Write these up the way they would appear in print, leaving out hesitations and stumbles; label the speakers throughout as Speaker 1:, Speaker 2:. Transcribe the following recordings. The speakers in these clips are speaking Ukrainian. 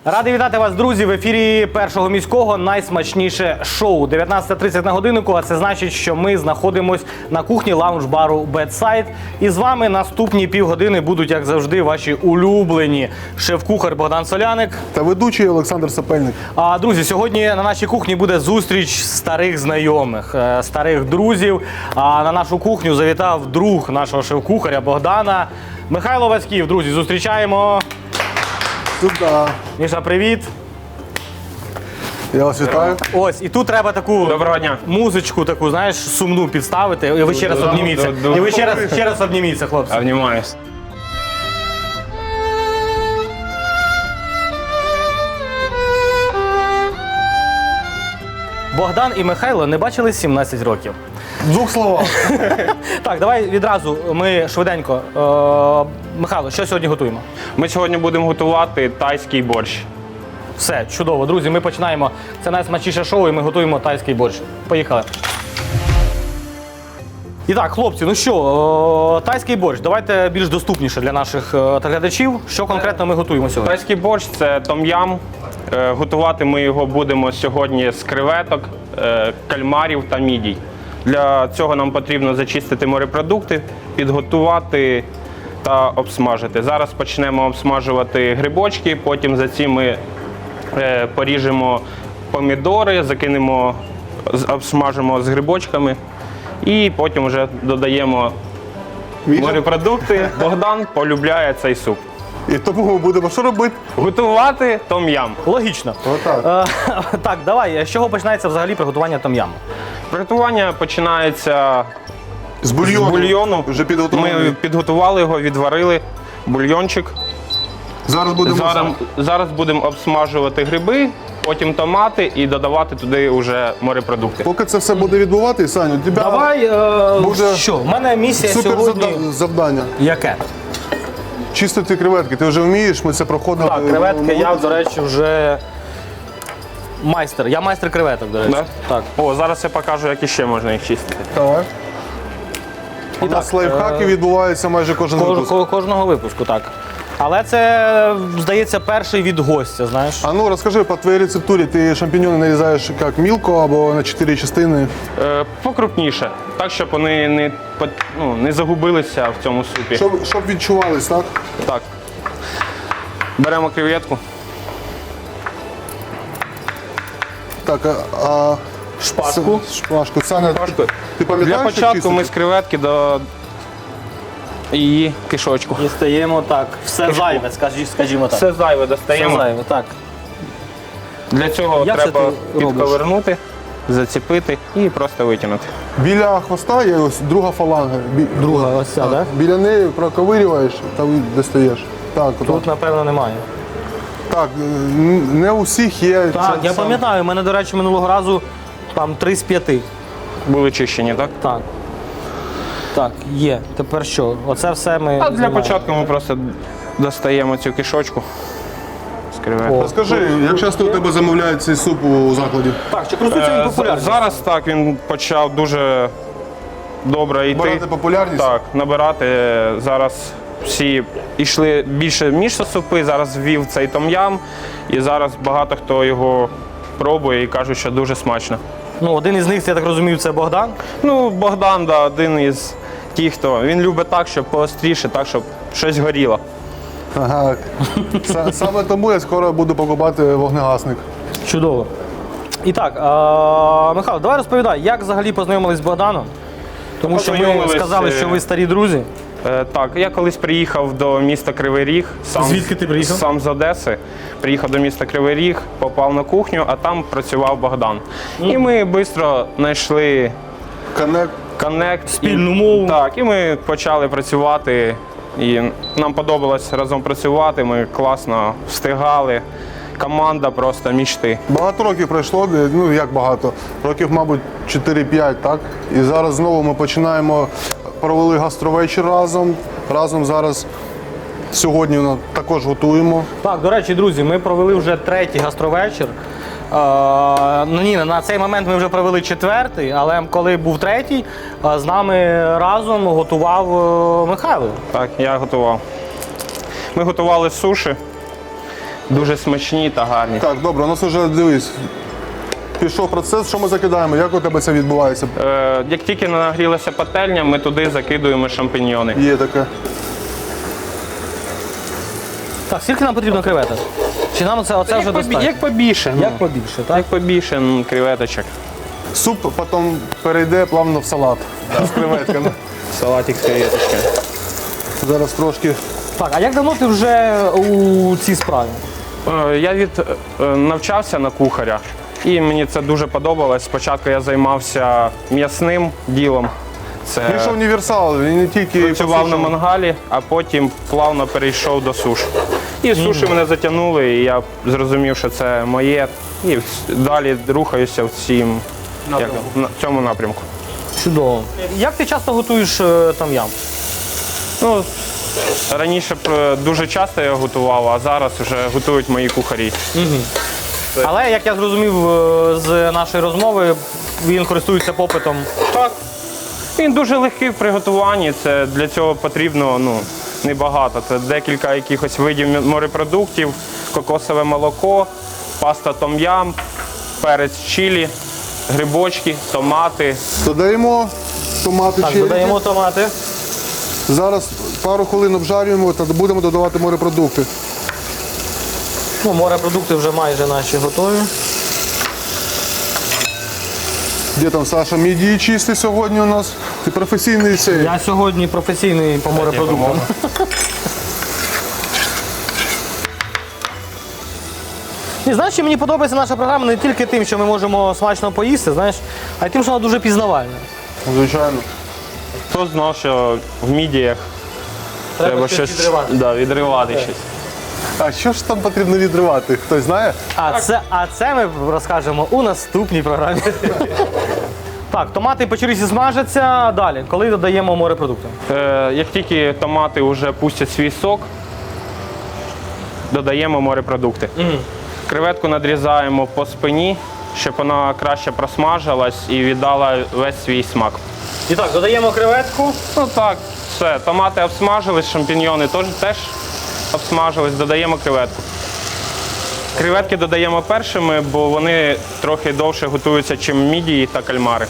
Speaker 1: Радий вітати вас, друзі, в ефірі Першого міського найсмачніше шоу. 19:30 на годиннику, а це значить, що ми знаходимося на кухні лаунж-бару Bedside. І з вами наступні півгодини будуть, як завжди, ваші улюблені шеф-кухар Богдан Соляник
Speaker 2: та ведучий Олександр Сапельник.
Speaker 1: А, друзі, сьогодні на нашій кухні буде зустріч старих знайомих, старих друзів. А на нашу кухню завітав друг нашого шеф-кухаря Богдана Михайло Васьків. Друзі, зустрічаємо.
Speaker 2: Сюда.
Speaker 1: Міша, привіт.
Speaker 2: Я вас вітаю.
Speaker 1: Ось, і тут треба таку
Speaker 3: Доброго дня.
Speaker 1: музичку, таку, знаєш, сумну підставити. І ви ще раз обніміться. І ви ще раз обніміться, хлопці.
Speaker 3: Обнімаюсь.
Speaker 1: Богдан і Михайло не бачились 17 років.
Speaker 2: В двох словах.
Speaker 1: Так, давай відразу ми швиденько. Михайло, що сьогодні готуємо?
Speaker 3: Ми сьогодні будемо готувати тайський борщ.
Speaker 1: Все, чудово. Друзі, ми починаємо. Це найсмачніше шоу, і ми готуємо тайський борщ. Поїхали. І так, хлопці, ну що, тайський борщ, давайте більш доступніше для наших глядачів. Що конкретно ми готуємо сьогодні?
Speaker 3: Тайський борщ – це том-ям. Готувати ми його будемо сьогодні з креветок, кальмарів та мідій. Для цього нам потрібно зачистити морепродукти, підготувати та обсмажити. Зараз почнемо обсмажувати грибочки, потім за ці ми поріжемо помідори, закинемо, обсмажимо з грибочками і потім вже додаємо морепродукти. Богдан полюбляє цей суп.
Speaker 2: І тому ми будемо що робити?
Speaker 3: Готувати том-ям.
Speaker 1: Логічно.
Speaker 2: Отак.
Speaker 1: Так, давай, з чого починається взагалі приготування том-яму?
Speaker 3: Приготування починається
Speaker 2: З
Speaker 3: з
Speaker 2: бульйону.
Speaker 3: бульйону.
Speaker 2: Вже підготували.
Speaker 3: Ми підготували його, відварили бульйончик.
Speaker 2: Зараз будемо.
Speaker 3: Зараз будемо обсмажувати гриби, потім томати і додавати туди вже морепродукти.
Speaker 2: Поки це все буде відбувати, Саню, у тебе
Speaker 1: Давай,
Speaker 2: буде
Speaker 1: що, в мене місія
Speaker 2: супер
Speaker 1: сьогодні.
Speaker 2: завдання.
Speaker 1: Яке?
Speaker 2: Чистити креветки. Ти вже вмієш, ми це проходили.
Speaker 1: Так, креветки, я, до речі, вже майстер. Я майстер креветок, до речі.
Speaker 3: Да?
Speaker 1: Так.
Speaker 3: О, зараз я покажу, як іще можна їх чистити.
Speaker 2: Давай. У нас лайфхаки відбуваються майже кожен випуск.
Speaker 1: Кожного випуску, так. Але це, здається, перший від гостя, знаєш.
Speaker 2: А ну розкажи, по твоїй рецептурі ти шампіньони нарізаєш як мілко або на 4 частини?
Speaker 3: Покрупніше, так, щоб вони не загубилися в цьому супі.
Speaker 2: Щоб відчувались, так?
Speaker 3: Так. Беремо креветку.
Speaker 2: Так, а
Speaker 1: Шпажку.
Speaker 2: шпажку. Саня, ти пам'ятаєш,
Speaker 3: Для
Speaker 2: як
Speaker 3: початку
Speaker 2: чистити?
Speaker 3: ми з креветки до її кишочку.
Speaker 1: І стаємо так. Все зайве, скажімо так.
Speaker 3: Все зайве
Speaker 1: Все
Speaker 3: достаємо.
Speaker 1: зайве, так.
Speaker 3: Для цього
Speaker 1: Як це
Speaker 3: треба
Speaker 1: ти робиш?
Speaker 3: підковернути, зацепити і просто витягнути.
Speaker 2: Біля хвоста є ось друга фаланга.
Speaker 1: Друга, ось ця, так?
Speaker 2: Біля неї проковирюєш та достаєш. Так,
Speaker 1: Тут, напевно, немає.
Speaker 2: так, не у всіх є.
Speaker 1: Так,
Speaker 2: це
Speaker 1: я
Speaker 2: саме.
Speaker 1: пам'ятаю, у мене, до речі, минулого разу там 3 з 5.
Speaker 3: Були чищені, так?
Speaker 1: Так. Так, є. Тепер що? Оце все ми.
Speaker 3: А для
Speaker 1: знімаємо.
Speaker 3: початку ми просто достаємо цю кишочку з креветки.
Speaker 1: О.
Speaker 2: Скажи, як часто у тебе замовляють цей суп у закладі?
Speaker 1: Так, чи користується він популярністю?
Speaker 3: Зараз так, він почав дуже добре йти.
Speaker 2: Набирати популярність?
Speaker 3: Так, набирати. Зараз всі йшли більше мішо-супи, зараз ввів цей том-ям. І зараз багато хто його пробує і кажуть, що дуже смачно.
Speaker 1: Ну, один із них, я так розумію, це Богдан.
Speaker 3: Ну, Богдан, да, один із тих, хто. Він любить так, щоб поостріше, так, щоб щось горіло.
Speaker 2: Ага. Саме тому я скоро буду покупати вогнегасник.
Speaker 1: Чудово. І так, Михайло, давай розповідай, як взагалі познайомились з Богданом? Тому що ми
Speaker 3: Познайомились,
Speaker 1: сказали, що ви старі друзі.
Speaker 3: Так, я колись приїхав до міста Кривий Ріг.
Speaker 1: Звідки ти приїхав?
Speaker 3: Сам з Одеси. Приїхав до міста Кривий Ріг, попав на кухню, а там працював Богдан. І ми швидко знайшли коннект.
Speaker 1: Спільну мову.
Speaker 3: Так, і ми почали працювати. І нам подобалось разом працювати, ми класно встигали. Команда просто мічти.
Speaker 2: Багато років пройшло, ну як багато, років, мабуть, 4-5, так? І зараз знову ми починаємо, провели гастровечір разом. Разом зараз сьогодні також готуємо.
Speaker 1: Так, до речі, друзі, ми провели вже 3-й гастровечір. Ну ні, на цей момент ми вже провели 4-й, але коли був 3-й, з нами разом готував Михайло.
Speaker 3: Так, я готував. Ми готували суші. дуже смачні та гарні.
Speaker 2: Так, добре, у нас вже, дивись, пішов процес, що ми закидаємо, як у тебе це відбувається?
Speaker 3: Як тільки нагрілася пательня, ми туди закидуємо шампіньйони.
Speaker 2: Є таке.
Speaker 1: Так, скільки нам потрібно креветок? Чи нам оце вже достатньо?
Speaker 3: Як побільше.
Speaker 1: Як побільше, так?
Speaker 3: Як побільше креветочок.
Speaker 2: Суп потім перейде плавно в салат з креветками.
Speaker 3: Салатик з креветочками.
Speaker 2: Зараз трошки.
Speaker 1: Так, а як давно ти вже у цій справі?
Speaker 3: Я навчався на кухаря, і мені це дуже подобалось. Спочатку я займався м'ясним ділом.
Speaker 2: Він ж універсал, він не тільки
Speaker 3: Працював на
Speaker 2: посушений.
Speaker 3: мангалі, а потім плавно перейшов до суш. І суші мене затягнули, і я зрозумів, що це моє. І далі рухаюся в цьому напрямку.
Speaker 1: Чудово. Як ти часто готуєш том-ям?
Speaker 3: Ну, раніше дуже часто я готував, а зараз вже готують мої кухарі.
Speaker 1: Але, як я зрозумів з нашої розмови, він користується попитом.
Speaker 3: Так. Він дуже легкий в приготуванні. Це для цього потрібно небагато. Це декілька якихось видів морепродуктів, кокосове молоко, паста том-ям, перець чилі, грибочки, томати.
Speaker 2: Додаємо томати
Speaker 1: Так,
Speaker 2: черрі.
Speaker 1: додаємо томати.
Speaker 2: Зараз пару хвилин обжарюємо та будемо додавати морепродукти.
Speaker 1: Ну, морепродукти вже майже наші готові.
Speaker 2: Де там Саша мідії чисти сьогодні у нас? Ти професійний цей.
Speaker 1: Я сьогодні професійний по морепродуктам. І знаєш, що мені подобається наша програма не тільки тим, що ми можемо смачно поїсти, знаєш, а й тим, що вона дуже пізнавальна.
Speaker 2: Звичайно.
Speaker 3: Хто знав, що в мідіях треба щось відривати щось.
Speaker 2: А що ж там потрібно відривати? Хтось знає?
Speaker 1: А це ми розкажемо у наступній програмі. Так, томати по черзі смажаться. Далі, коли додаємо морепродукти?
Speaker 3: Як тільки томати вже пустять свій сок, додаємо морепродукти. Креветку надрізаємо по спині, щоб вона краще просмажилась і віддала весь свій смак.
Speaker 1: І так, додаємо креветку.
Speaker 3: Ну так, все. Томати обсмажились, шампіньйони теж обсмажились, додаємо креветку. Креветки додаємо першими, бо вони трохи довше готуються, ніж мідії та кальмари.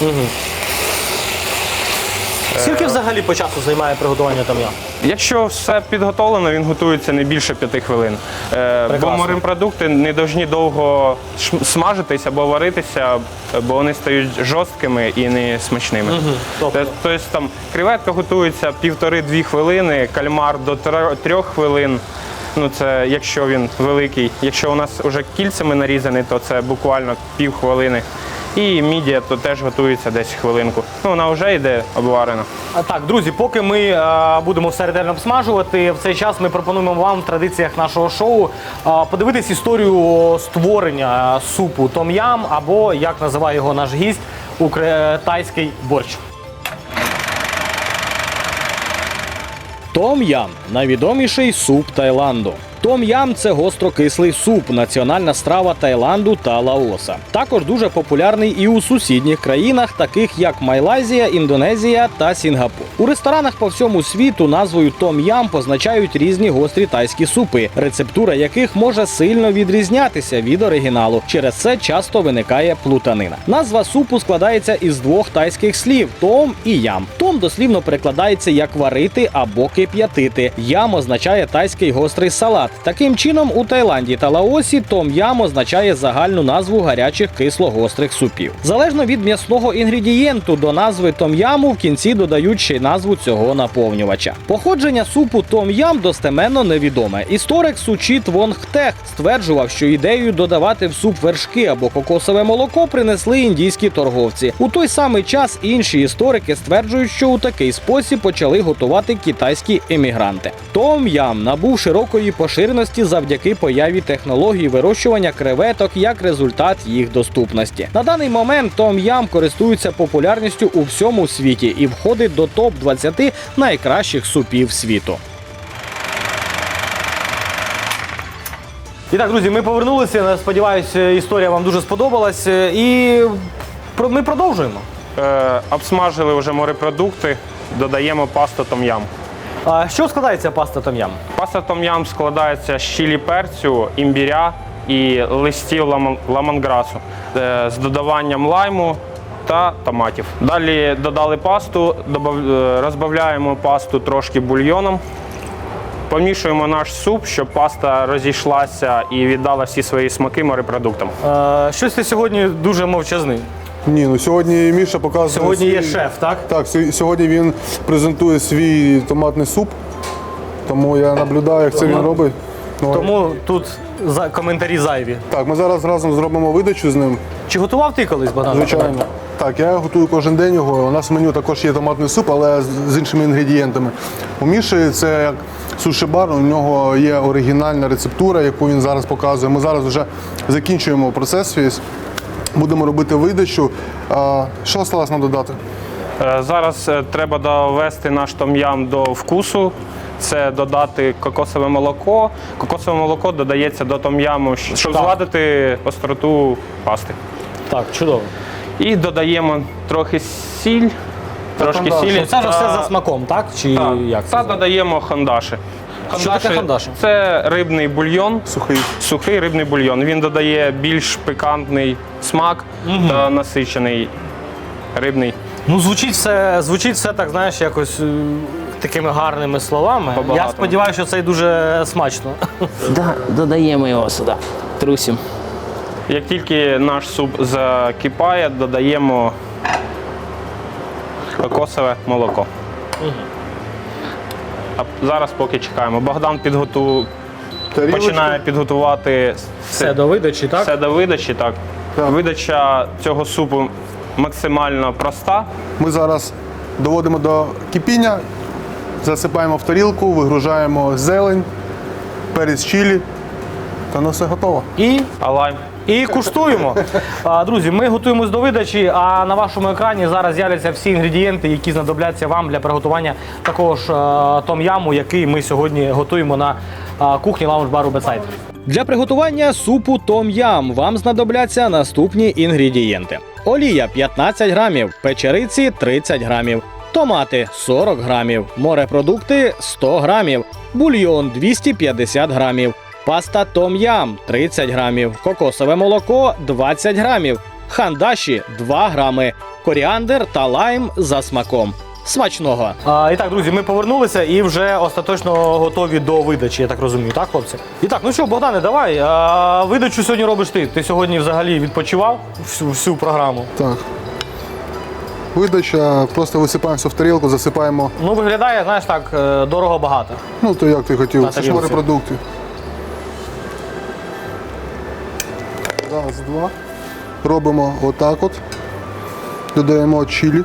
Speaker 1: Скільки взагалі по часу займає приготування том-ям?
Speaker 3: Якщо все підготовлено, він готується не більше 5 хвилин. Бо морепродукти не повинні довго смажитись або варитися, бо вони стають жорсткими і не смачними. Тобто там креветка готується 1,5-2 хвилини, кальмар до 3 хвилин. Ну це якщо він великий. Якщо у нас вже кільцями нарізаний, то це буквально півхвилини. І мідія то теж готується десь хвилинку. Ну вона вже йде обварена.
Speaker 1: Так, друзі, поки ми будемо все ретельно обсмажувати, в цей час ми пропонуємо вам в традиціях нашого шоу подивитись історію створення супу том-ям, або, як називає його наш гість, тайський борщ.
Speaker 4: Том-ям – найвідоміший суп Таїланду. Том-ям – це гострокислий суп, національна страва Таїланду та Лаоса. Також дуже популярний і у сусідніх країнах, таких як Малайзія, Індонезія та Сінгапур. У ресторанах по всьому світу назвою том-ям позначають різні гострі тайські супи, рецептура яких може сильно відрізнятися від оригіналу. Через це часто виникає плутанина. Назва супу складається із двох тайських слів – том і ям. Том дослівно перекладається як варити або кип'ятити. Ям означає тайський гострий салат. Таким чином, у Таїланді та Лаосі том-ям означає загальну назву гарячих кисло-гострих супів. Залежно від м'ясного інгредієнту, до назви том-яму в кінці додають ще й назву цього наповнювача. Походження супу том-ям достеменно невідоме. Історик Сучіт Вонгтех стверджував, що ідею додавати в суп вершки або кокосове молоко принесли індійські торговці. У той самий час інші історики стверджують, що у такий спосіб почали готувати китайські емігранти. Том-ям набув широкої поширеності завдяки появі технологій вирощування креветок як результат їх доступності. На даний момент том-ям користується популярністю у всьому світі і входить до топ-20 найкращих супів світу.
Speaker 1: І так, друзі, ми повернулися. Сподіваюся, історія вам дуже сподобалась. І ми продовжуємо.
Speaker 3: Обсмажили вже морепродукти, додаємо пасту том-ям.
Speaker 1: Що складається паста том-ям?
Speaker 3: Паста том-ям складається з чилі перцю, імбіря і листів ламонграсу з додаванням лайму та томатів. Далі додали пасту, розбавляємо пасту трошки бульйоном. Помішуємо наш суп, щоб паста розійшлася і віддала всі свої смаки морепродуктам.
Speaker 1: Щось ти сьогодні дуже мовчазний.
Speaker 2: Ні, ну сьогодні Міша показує.
Speaker 1: Сьогодні є шеф, так?
Speaker 2: Так, сьогодні він презентує свій томатний суп, тому я наблюдаю, як це він робить. Ну,
Speaker 1: Тому тут коментарі зайві.
Speaker 2: Так, ми зараз разом зробимо видачу з ним.
Speaker 1: Чи готував ти колись, Богдан?
Speaker 2: Звичайно. Так, я готую кожен день його. У нас в меню також є томатний суп, але з іншими інгредієнтами. У Міші це як суші-бар, у нього є оригінальна рецептура, яку він зараз показує. Ми зараз вже закінчуємо процес весь. Будемо робити видачу. Що осталось нам додати?
Speaker 3: Зараз треба довести наш том-ям до вкусу. Це додати кокосове молоко. Кокосове молоко додається до том-яму, щоб
Speaker 1: Так.
Speaker 3: згладити остроту пасти.
Speaker 1: Так, чудово.
Speaker 3: І додаємо трохи сіль, трошки
Speaker 2: хандаші.
Speaker 3: сілі.
Speaker 1: Це ж все за смаком, так? Чи
Speaker 3: Так.
Speaker 1: як це?
Speaker 3: Та додаємо хандаші.
Speaker 1: Що таке хандаші?
Speaker 3: Це рибний бульйон,
Speaker 2: Сухий.
Speaker 3: сухий рибний бульйон. Він додає більш пикантний смак та насичений рибний.
Speaker 1: Ну, звучить все так, знаєш, якось такими гарними словами. Я
Speaker 3: По-багатому.
Speaker 1: сподіваюся, що це і дуже смачно.
Speaker 5: Да, додаємо його сюди. Трусимо.
Speaker 3: Як тільки наш суп закипає, додаємо кокосове молоко. А зараз поки чекаємо. Богдан
Speaker 2: Тарілочку.
Speaker 3: починає підготувати
Speaker 1: Все до видачі, так?
Speaker 3: все до видачі. Так.
Speaker 2: Так.
Speaker 3: Видача цього супу максимально проста.
Speaker 2: Ми зараз доводимо до кипіння, засипаємо в тарілку, вигружаємо зелень, перець чилі, та ну все готово.
Speaker 3: А лайм.
Speaker 1: І куштуємо. Друзі, ми готуємось до видачі, а на вашому екрані зараз з'являться всі інгредієнти, які знадобляться вам для приготування такого ж том-яму, який ми сьогодні готуємо на кухні лаунж-бару Bedside.
Speaker 4: Для приготування супу том-ям вам знадобляться наступні інгредієнти: олія 15 грамів, печериці 30 грамів, томати 40 грамів, морепродукти 100 грамів, бульйон 250 грамів, паста том-ям 30 грамів, кокосове молоко 20 грамів, хандаші 2 грами, коріандр та лайм за смаком. Смачного!
Speaker 1: І так, друзі, ми повернулися і вже остаточно готові до видачі, я так розумію, так, хлопці? І так, ну що, Богдане, давай. Видачу сьогодні робиш ти. Ти сьогодні взагалі відпочивав всю програму.
Speaker 2: Так. Видача, просто висипаємося в тарілку, засипаємо.
Speaker 1: Ну, виглядає, знаєш, так, дорого-багато.
Speaker 2: Ну, то як ти хотів,
Speaker 1: На
Speaker 2: це ж
Speaker 1: тарілці.
Speaker 2: морепродукти. Раз, два. Робимо отак от. Додаємо чилі.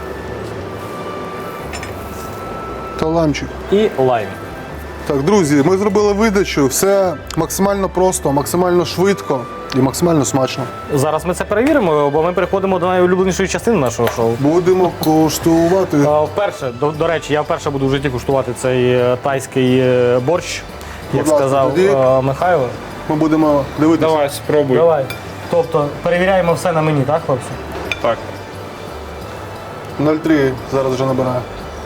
Speaker 2: Та лаймчик.
Speaker 1: І лайм.
Speaker 2: Так, друзі, ми зробили видачу. Все максимально просто, максимально швидко і максимально смачно.
Speaker 1: Зараз ми це перевіримо, бо ми переходимо до найулюбленішої частини нашого шоу.
Speaker 2: Будемо коштувати.
Speaker 1: Вперше, до речі, я вперше буду в житті куштувати цей тайський борщ, як
Speaker 2: Будь ласка,
Speaker 1: сказав
Speaker 2: тоді.
Speaker 1: Михайло.
Speaker 2: Ми будемо дивитися.
Speaker 3: Давай, спробуй.
Speaker 1: Давай. Тобто перевіряємо все на мені, так, хлопці?
Speaker 3: Так.
Speaker 2: 0,3 зараз вже набираю.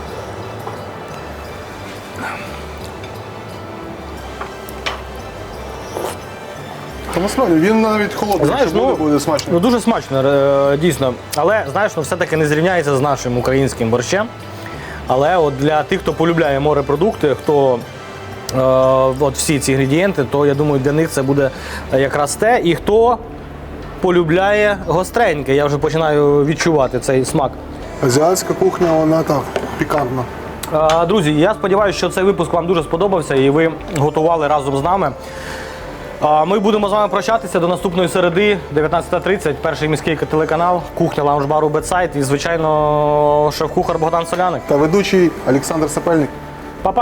Speaker 2: Та насправді він навіть холодний,
Speaker 1: Знаєш,
Speaker 2: якщо буде смачно.
Speaker 1: Ну дуже смачно, дійсно. Але знаєш, ну все-таки не зрівняється з нашим українським борщем. Але от для тих, хто полюбляє морепродукти, хто от всі ці інгредієнти, то я думаю, для них це буде якраз те. І хто полюбляє гостреньке, я вже починаю відчувати цей смак.
Speaker 2: Азіатська кухня, вона так, пікантна.
Speaker 1: Друзі, я сподіваюся, що цей випуск вам дуже сподобався і ви готували разом з нами. Ми будемо з вами прощатися до наступної середи, 19:30, перший міський телеканал, кухня лаунж-бару Bedside і, звичайно, шеф-кухар Богдан Соляник.
Speaker 2: Та ведучий Олександр Сапельник.
Speaker 1: Папа,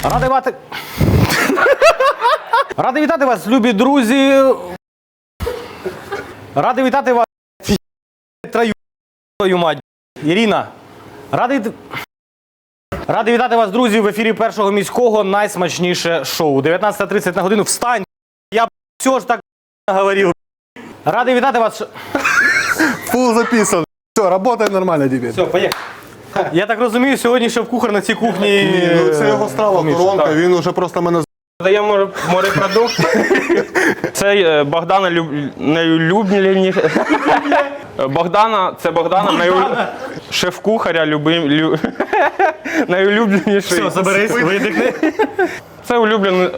Speaker 1: радий вітати вас, любі друзі. Радий вітати вас, твою мать. Ірина, радий вітати вас, друзі, в ефірі першого міського найсмачніше шоу. 19:30 на годину. Встань! Я все ж так говорив. Радий вітати вас.
Speaker 2: Фул записан. Все, работает нормально теперь.
Speaker 1: Все, поїхали. Я так розумію, сьогодні шеф-кухар на цій кухні.
Speaker 2: Ну, це його страва, коронка, він уже просто мене
Speaker 3: Додаємо морепродукт. Це Богдана найулюбленіше. Це Богдана шеф-кухаря найулюбленіший.
Speaker 1: Все, заберись, видихни.
Speaker 3: Це улюблений.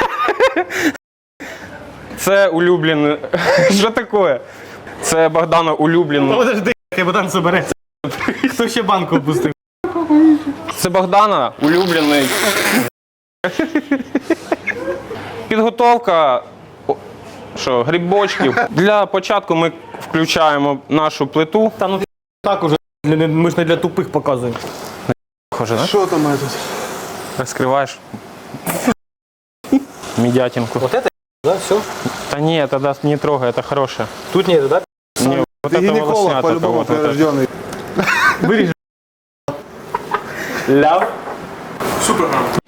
Speaker 3: Це улюблений. Що таке? Це Богдана улюблений.
Speaker 1: Подожди, Богдан забереться. Хто ще банку опустив?
Speaker 3: Це Богдана улюблений. Підготовка грибочків. Для початку ми включаємо нашу плиту.
Speaker 1: Та ну так уже. Ми ж не для тупих показуємо.
Speaker 2: Що там тут?
Speaker 3: Розкриваєш медятинку.
Speaker 1: Вот это, да, все?
Speaker 3: Та ні, тоді не трогай, це хороше.
Speaker 1: Тут нет, да?
Speaker 3: Ні, вот
Speaker 2: Ти
Speaker 3: это
Speaker 2: гінеколог,
Speaker 3: волоснята
Speaker 2: по-любому
Speaker 3: вот это.
Speaker 2: прирождений.
Speaker 1: Виріж.
Speaker 3: Ляв.
Speaker 1: Супер.